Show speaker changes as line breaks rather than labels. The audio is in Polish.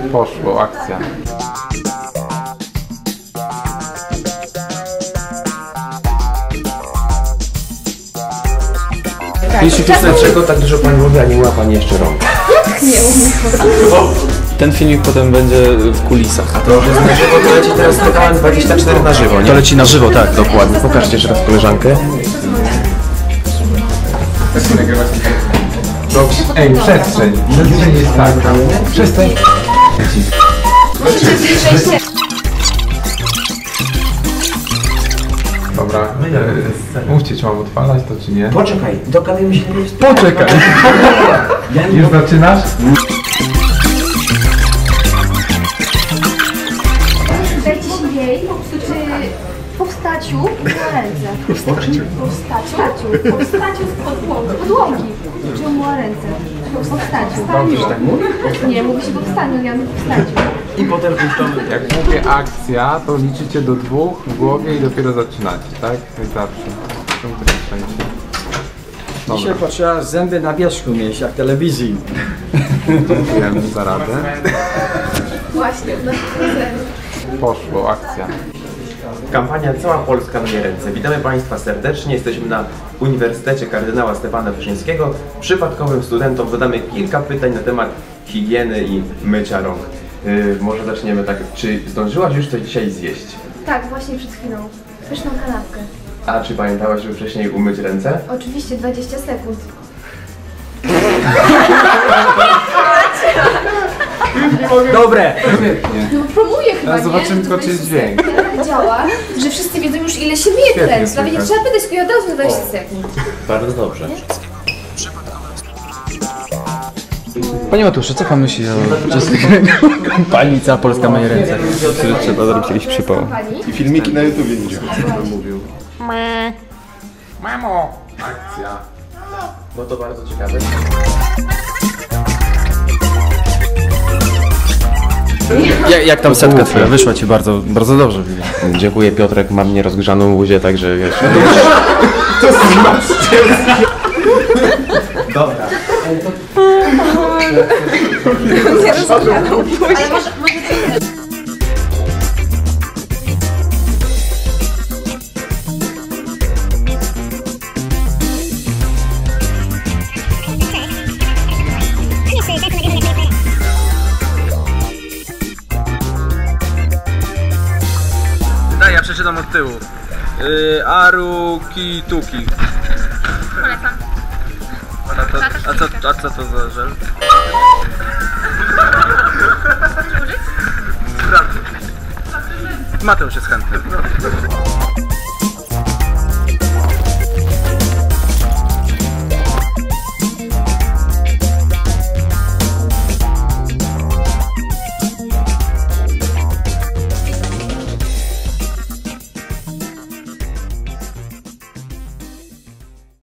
Poszło, akcja.
Jeśli tu dlaczego tak dużo pani mówi, a nie ma pani jeszcze rąk?
Nie umiem.
Ten filmik potem będzie w kulisach.
A to już jest na żywo, to leci teraz TVN24 na żywo, nie?
To leci na żywo, tak.
Dokładnie. Pokażcie jeszcze raz koleżankę.
Dobrze. Ej, przestrzeń. Przestrzeń jest tak. Przestań. Dobra, mówcie, czy mam odpalać to, czy nie?
Poczekaj, dogadujmy się.
Poczekaj! Już zaczynasz?
Dajcie się jej po wstaniu na ręce. Po wstaniu z podłogi. Czy umyła ręce? Po wstaniu.
Dobrze, tak mówię?
Nie, mówi się po wstaniu, ja po wstaniu.
I potem puszczamy.
Jak mówię akcja, to liczycie do 2 w głowie i dopiero zaczynacie, tak? Jak zawsze.
Dzisiaj potrzeba zęby na wierzchu mieć, jak telewizji.
Dziękujemy za radę.
Właśnie,
Poszło, akcja.
Kampania Cała Polska na ręce. Witamy Państwa serdecznie. Jesteśmy na Uniwersytecie Kardynała Stefana Wyszyńskiego. Przypadkowym studentom zadamy kilka pytań na temat higieny i mycia rąk. Może zaczniemy tak. Czy zdążyłaś już coś dzisiaj zjeść?
Tak, właśnie przed chwilą. Pyszną kanapkę.
A czy pamiętałaś, żeby wcześniej umyć ręce?
Oczywiście 20 sekund.
Dobre!
No promuję chyba,
Teraz zobaczymy tylko, czy jest dźwięk.
Tak działa, że wszyscy wiedzą już ile się myje te
Świetnie,
ręce. Nawet nie
super.
trzeba pytać, tylko od razu na 20 sekund.
Bardzo dobrze.
Panie Matuszu, co pan myśli o kampanii Cała Polska ma jej ręce? Czy trzeba zrobić jakiś przypał?
Pani?
I filmiki na YouTubie widział.
Mówił. Mamo! Akcja. No to bardzo ciekawe.
Jak tam setka twoja? Wyszła ci bardzo, bardzo dobrze.
Dziękuję Piotrek, mam nierozgrzaną łuzię, także wiesz. Dobra.
Ale może
Daj, ja przeczytam od tyłu. Aruki tuki.
polecam.
A co to za żel? Mateusz jest chętny.